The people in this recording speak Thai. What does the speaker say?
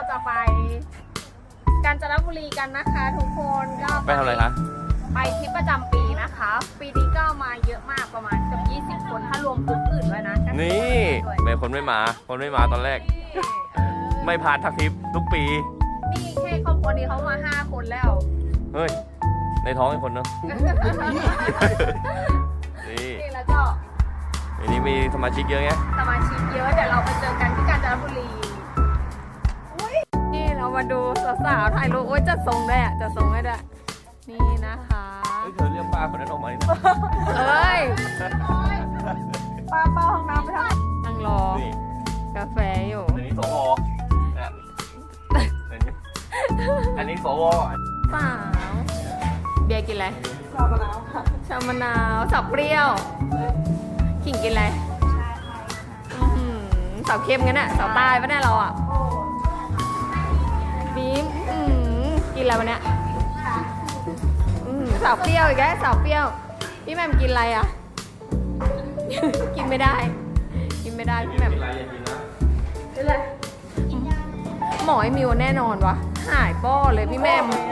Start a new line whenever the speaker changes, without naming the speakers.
จะไปกาญจนบุรีกันนะคะทุกคนก็
ไปทำอะไรคะ
ไปทริปประจำปีนะคะ ปีนี้ก็มาเยอะมากประมาณเกือบ20 คนถ้ารวมกลุ่มอื่นด้วยนะ
นี่ไม่คนไม่มาตอนแรก ไม่พลาดทักทริปทุกปี
นี่แค่ครอบครัวนี้เขามา5 คนแล้ว
เฮ้ย ในท้องอีกคนเนอะ นี่
นี่แล้วก็
อันนี้มีสมาชิกเยอะไง
สมาชิกเยอะเดี๋ยวเราไปเจอกันที่กาญจนบุรีนี่เรามาดูสาวๆถ่ายรูปโอ้ยจัดทรงด้วยอ่ะจัดทรงให้ด้วยนี่นะคะ
เฮ้ยเธอเรียกป้าคนนั้นออกมาดิ
เอ้ยป้าห้องน้ำไปทำนั่งรอ
นี่
กาแฟอยู่
อันนี้สวเนี่ยอันนี้สว
สาวเบียร์กินอะไรชามะนาวค่ะชามะนาวสับเปรี้ยวขิงกินอะไรอื้อหือสาวเข้มงั้นอะสาวใต้ปะเนี่ยเราอะบีมกินอะไรวะเนี่ยสาวเปรี้ยวอีกแล้วสาวเปรี้ยวพี่แหม่มกินอะไรอะ กินไม่ได้ กินไม่ได้พี่แหม่ม
กินอะไรอย่ากินนะ
หมอไอ้มิวแน่นอนวะหายป้อเลยพี่แหม่ม